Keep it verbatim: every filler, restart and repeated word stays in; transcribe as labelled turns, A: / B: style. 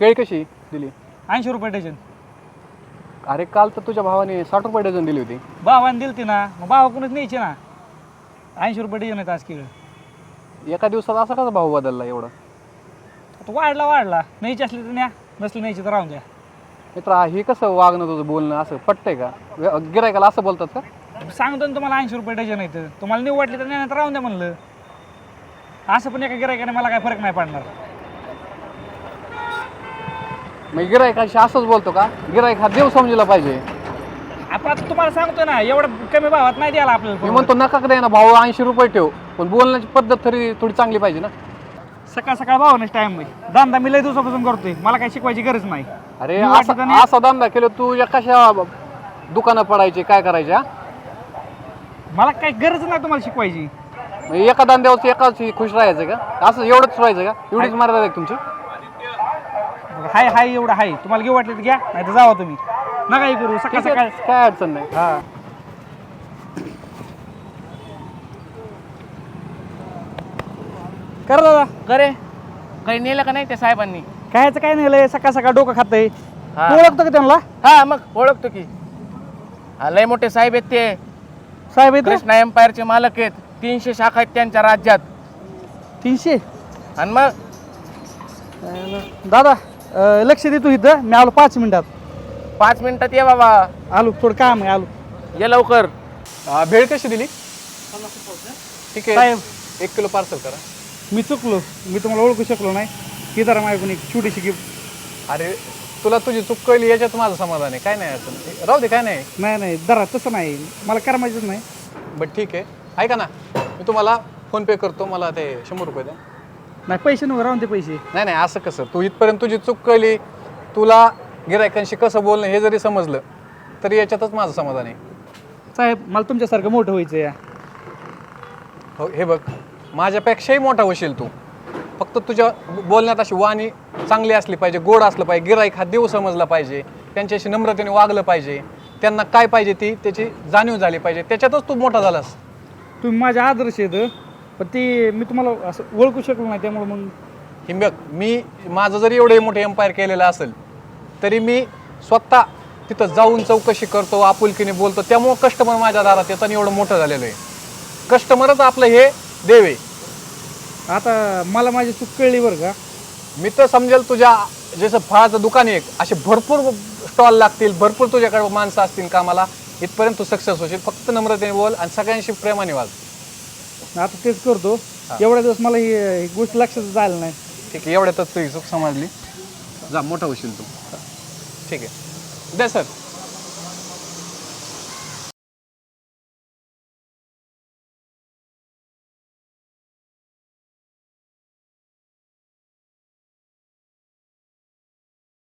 A: केळी कशी दिली?
B: ऐंशी रुपये डझन.
A: अरे काल तर तुझ्या भावाने साठ रुपये डझन दिली होती.
B: भावाने दिली ती ना, मग भावा कोणच न्यायची ना. ऐंशी रुपये डझन आहेत आज केळं.
A: एका दिवसात असा कसा भाव बदलला एवढा?
B: आता वाढला वाढला, न्यायची असली तर न्या, नसली न्यायची तर राहून द्या.
A: मित्रा हे कसं वागणं तुझं बोलणं असं पटतंय का? गिरायकाला असं बोलतात का?
B: सांगतो ना तुम्हाला ऐंशी रुपये डझन आहेत, तुम्हाला निव वाटली तर न्या, तर राहून द्या म्हणलं. असं पण एका गिरायकाने मला काय फरक नाही पडणार.
A: मग गिरायकाशी असंच बोलतो का? गिरायक हा देव समजला पाहिजे.
B: आपण आता तुम्हाला सांगतो ना, एवढं कमी भावात नाही द्यायला
A: मी
B: आपल्याला.
A: म्हणतो नका द्या ना भाऊ, ऐंशी रुपये ठेव, पण बोलण्याची पद्धत तरी थोडी चांगली पाहिजे ना.
B: सकाळ सकाळ भावानेच टाइम आहे. धंदा मी लय दिवसापासून करतोय, मला काही शिकवायची गरज नाही.
A: अरे
B: मी वाटलं तर
A: असा
B: नाही.
A: असा धंदा केलं तू या कशा दुकानं पडायचे काय करायच्या?
B: मला काही गरज नाही तुम्हाला शिकवायची.
A: एका धंद्यावर एकाच खुश राहायचं का? असं एवढंच राहायचं का? एवढीच मर्यादा आहे का तुमची?
B: हाय हाय एवढं हाय, तुम्हाला घेऊ वाटलं तर घ्या, नाही तर जावा तुम्ही. नका हे करू सकाळ
A: ठीक
B: सकाळ.
A: आहे, काय अडचण नाही.
B: हा कर दादा.
C: करे काही नेलं का नाही त्या साहेबांनी?
B: कायचं काय नाही लय, सकाळ सकाळ डोकं खातंय.
C: हा.
B: तू ओळखतो का त्यांना?
C: हा मग ओळखतो की. हा, लय मोठे साहेब आहेत ते.
B: साहेब आहेत
C: कृष्णा एम्पायरचे मालक आहेत. तीनशे शाखा आहेत त्यांच्या राज्यात.
B: तीनशे.
C: आणि मग
B: दादा अं, लक्ष दे तू इथं, मी आलो पाच मिनिटात.
C: पाच मिनिटात ये बाबा,
B: आलो, थोडं काम आहे, आलो.
C: ये लवकर.
A: हा, भेळ कशी दिली? ठीक आहे,
B: साहेब
A: एक किलो पार्सल करा.
B: मी चुकलो, मी तुम्हाला ओळखू शकलो नाही. ही जरा माझ्याकडून एक छोटीशी गिफ्ट.
A: अरे तुला तुझी चूक कळली याच्यात माझं समाधान आहे, काय नाही अडचण. राहू दे, काय नाही.
B: नाही नाही दरा तसं नाही, मला करमायचंच नाही.
A: बट ठीक आहे, ऐका ना, मी तुम्हाला फोन पे करतो, मला ते शंभर रुपये द्या.
B: नाही पैसे नको, राहून ते पैसे.
A: नाही नाही असं कसं, तू इथपर्यंत तुझी चूक कळली, तुला गिरायकांशी कसं बोलणं हे जरी समजलं तरी याच्यातच माझं समाधान आहे.
B: साहेब मला तुमच्यासारखं मोठं व्हायचं या.
A: हो, हे बघ, माझ्यापेक्षाही मोठा होशील तू, फक्त तुझ्या बोलण्यात अशी वाणी चांगली असली पाहिजे, गोड असलं पाहिजे, गिराईक हा देव समजला पाहिजे, त्यांच्याशी नम्रतेने वागलं पाहिजे, त्यांना काय पाहिजे ती त्याची जाणीव झाली पाहिजे, त्याच्यातच तू मोठा झालास.
B: तुम्ही माझे आदर्श आहेत, पण ते मी तुम्हाला असं ओळखू शकलो नाही, त्यामुळे मग.
A: हे बघ, मी माझं जरी एवढे मोठे एम्पायर केलेलं असेल तरी मी स्वतः तिथं जाऊन चौकशी करतो, आपुलकीने बोलतो, त्यामुळं कस्टमर माझ्या दारात येतं आणि एवढं मोठं झालेलं आहे. कस्टमरच आपलं हे देव आहे.
B: आता मला माझी चूक कळली बरं का.
A: मी तर समजेल तुझ्या जसं फळाचं दुकान आहे असे भरपूर स्टॉल लागतील, भरपूर तुझ्याकडे माणसं असतील कामाला, इथपर्यंत तू सक्सेस होशील. फक्त नम्रतेने बोल आणि सगळ्यांशी प्रेमाने वाग.
B: आता तेच करतो. एवढ्या दिवस मला ही ही गोष्ट लक्षात झालं नाही.
A: ठीक आहे, एवढ्यातच तुझी चूक समजली, जा मोठा होशील तू. ठीक आहे, द्या सर.